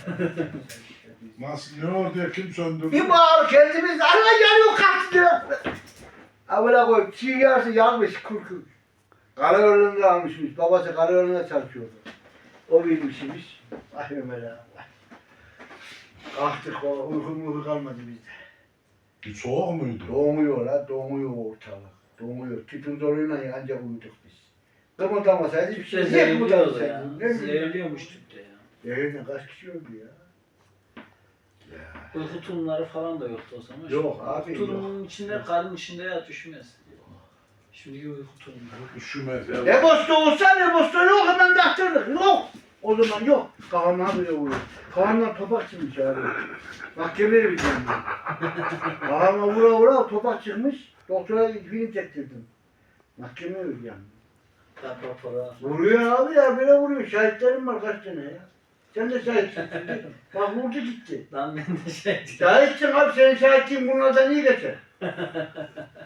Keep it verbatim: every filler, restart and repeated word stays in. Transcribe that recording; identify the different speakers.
Speaker 1: Nasıl ne oldu ya kim söndürdü?
Speaker 2: Bir bağır kendimiz ana yanıyor kaçtı. Avla koy çiğ yarısı yanmış kurkur. Karayolunda almışmış. Babası karayolunda çalışıyordu. O bilmişmiş. Ay Ömer abi. Kalktık o uyku uyku kalmadı bizde.
Speaker 1: Bir soğuk muydu?
Speaker 2: Donuyor la donuyor ortalık. Donuyor. Tütün zoruyla ancak uyuduk biz. Kımıldamasaydı hiçbir şey.
Speaker 3: Tüpte
Speaker 2: Niye
Speaker 3: zehirliyordu ya.
Speaker 2: kımıldamasaydı? Ne bileyim.
Speaker 3: Zehirliyormuş tüpte ya.
Speaker 2: Zehirle kaç kişi öldü ya?
Speaker 3: Uyku tulumları falan da yoktu o zaman.
Speaker 2: Yok
Speaker 3: Şimdi
Speaker 2: abi,
Speaker 3: tulumun
Speaker 2: yok.
Speaker 3: içinde, karın içinde ya düşmez. Şimdiki uyku tulumları.
Speaker 1: Üşümez ya.
Speaker 2: Ne bosta olsa ne bosta yok hemen daktırdık. Yok. O zaman yok. Kafamdan bile vuruyor. Kafamdan topak çıkmış abi. Mahkemeye bir tane. Kafama vura vura topak çıkmış. Doktora film çektirdim. Mahkemeye bir yani.
Speaker 3: Daha rapora.
Speaker 2: Vuruyor abi ya böyle vuruyor. Şahitlerim var kaç tane ya. Sen de şahitsin. Bak vurdu gitti.
Speaker 3: Lan ben de şey
Speaker 2: Şahitsin abi senin şahitliğin bunlardan iyi geçer.